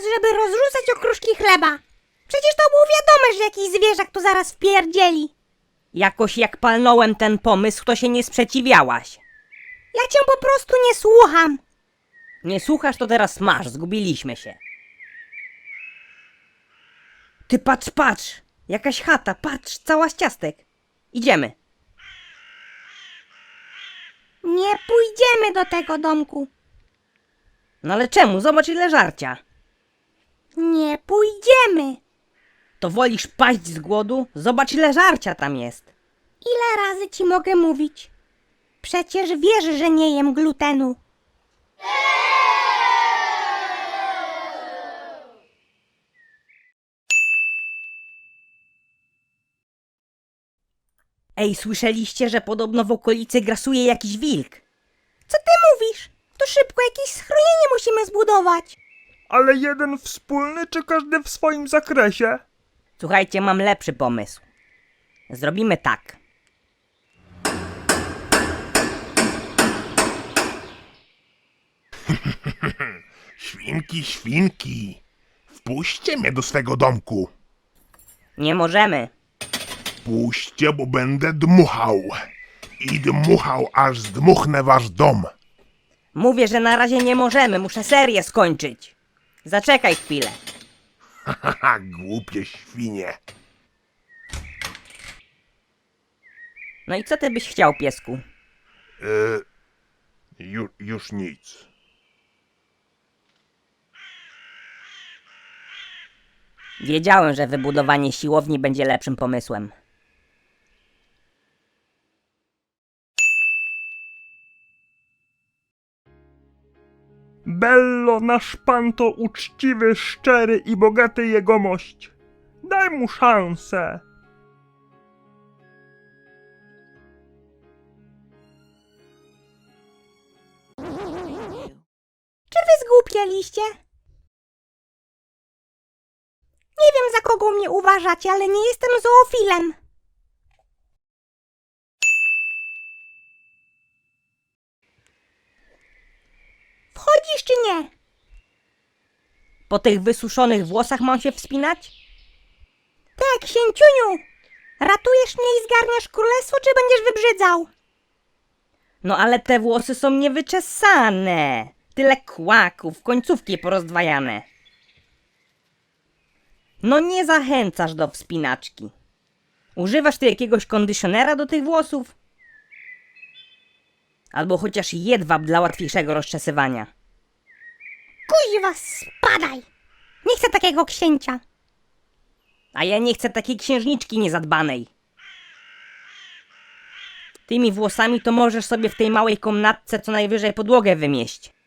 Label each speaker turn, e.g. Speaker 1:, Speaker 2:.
Speaker 1: żeby rozrzucać okruszki chleba. Przecież to było wiadome, że jakiś zwierzak tu zaraz wpierdzieli.
Speaker 2: Jakoś jak palnąłem ten pomysł, to się nie sprzeciwiałaś.
Speaker 1: Ja cię po prostu nie słucham.
Speaker 2: Nie słuchasz, to teraz masz, zgubiliśmy się. Ty patrz, patrz! Jakaś chata, patrz, cała z ciastek. Idziemy.
Speaker 1: Nie pójdziemy do tego domku.
Speaker 2: No ale czemu? Zobacz ile żarcia.
Speaker 1: Nie pójdziemy.
Speaker 2: To wolisz paść z głodu? Zobacz ile żarcia tam jest.
Speaker 1: Ile razy ci mogę mówić? Przecież wiesz, że nie jem glutenu.
Speaker 2: Ej, słyszeliście, że podobno w okolicy grasuje jakiś wilk?
Speaker 1: Co ty mówisz? To szybko jakieś schronienie musimy zbudować.
Speaker 3: Ale jeden wspólny, czy każdy w swoim zakresie?
Speaker 2: Słuchajcie, mam lepszy pomysł. Zrobimy tak.
Speaker 4: Świnki, świnki, wpuśćcie mnie do swego domku.
Speaker 2: Nie możemy.
Speaker 4: Puśćcie, bo będę dmuchał. I dmuchał, aż zdmuchnę wasz dom.
Speaker 2: Mówię, że na razie nie możemy, muszę serię skończyć. Zaczekaj chwilę.
Speaker 4: Haha, głupie świnie.
Speaker 2: No i co ty byś chciał, piesku?
Speaker 4: Już nic.
Speaker 2: Wiedziałem, że wybudowanie siłowni będzie lepszym pomysłem.
Speaker 3: Bello, nasz pan to uczciwy, szczery i bogaty jegomość. Daj mu szansę.
Speaker 1: Czy wy zgłupieliście? Nie wiem, za kogo mnie uważacie, ale nie jestem zoofilem. Wchodzisz czy nie?
Speaker 2: Po tych wysuszonych włosach mam się wspinać?
Speaker 1: Tak, księciuniu. Ratujesz mnie i zgarniasz królestwo, czy będziesz wybrzydzał?
Speaker 2: No ale te włosy są niewyczesane. Tyle kłaków, końcówki porozdwajane. No nie zachęcasz do wspinaczki. Używasz ty jakiegoś kondycjonera do tych włosów? Albo chociaż jedwab dla łatwiejszego rozczesywania.
Speaker 1: Kuźwa, spadaj. Nie chcę takiego księcia.
Speaker 2: A ja nie chcę takiej księżniczki niezadbanej. Tymi włosami to możesz sobie w tej małej komnatce co najwyżej podłogę wymieść.